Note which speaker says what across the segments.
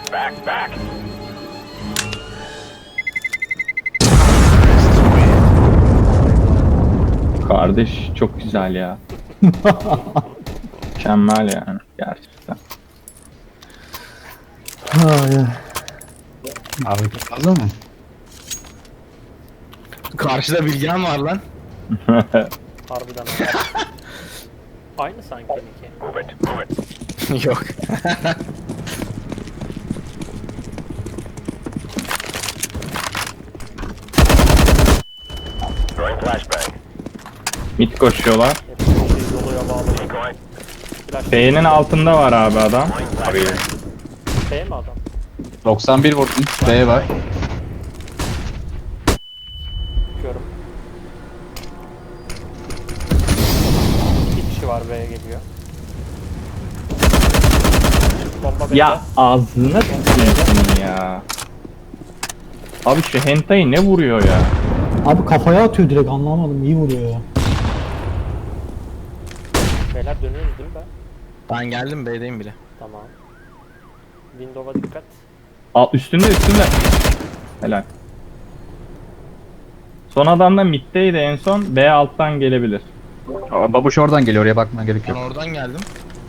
Speaker 1: Kardeş çok güzel ya. Mükemmel yani gerçekten.
Speaker 2: Abi fazla mı? Karşıda Bilgehan var lan.
Speaker 3: Harbiden abi. Aynı sanki Niki.
Speaker 2: Yok.
Speaker 1: Mid koşuyorlar.
Speaker 3: Hepsi bir şey doluya bağlı. Flash
Speaker 1: B'nin altında var abi adam. Abi.
Speaker 3: B mi adam?
Speaker 2: 91 vurdum. B var.
Speaker 3: Bakıyorum. 2 kişi var B'ye geliyor. Bomba B'de.
Speaker 1: Ya ağzına tüküreyim senin ya. Abi şu hentai ne vuruyor ya?
Speaker 4: Abi kafaya atıyor direkt, anlamadım, iyi vuruyor ya.
Speaker 3: Beyler dönüyoruz değil mi ben?
Speaker 2: Ben geldim B'deyim bile.
Speaker 3: Tamam. Windows'a dikkat.
Speaker 1: Alt üstünde. Helal. Son adam da middeydi en son. B alttan gelebilir.
Speaker 5: Babuş oradan geliyor, oraya bakmaya gerek
Speaker 2: Ben
Speaker 5: yok.
Speaker 2: oradan geldim.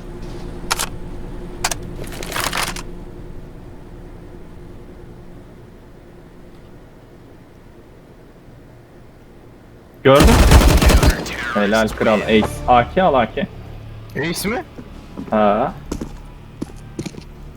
Speaker 1: Gördün? Helal kral. Ace. AK al AK.
Speaker 2: Ace mi?
Speaker 1: Ha.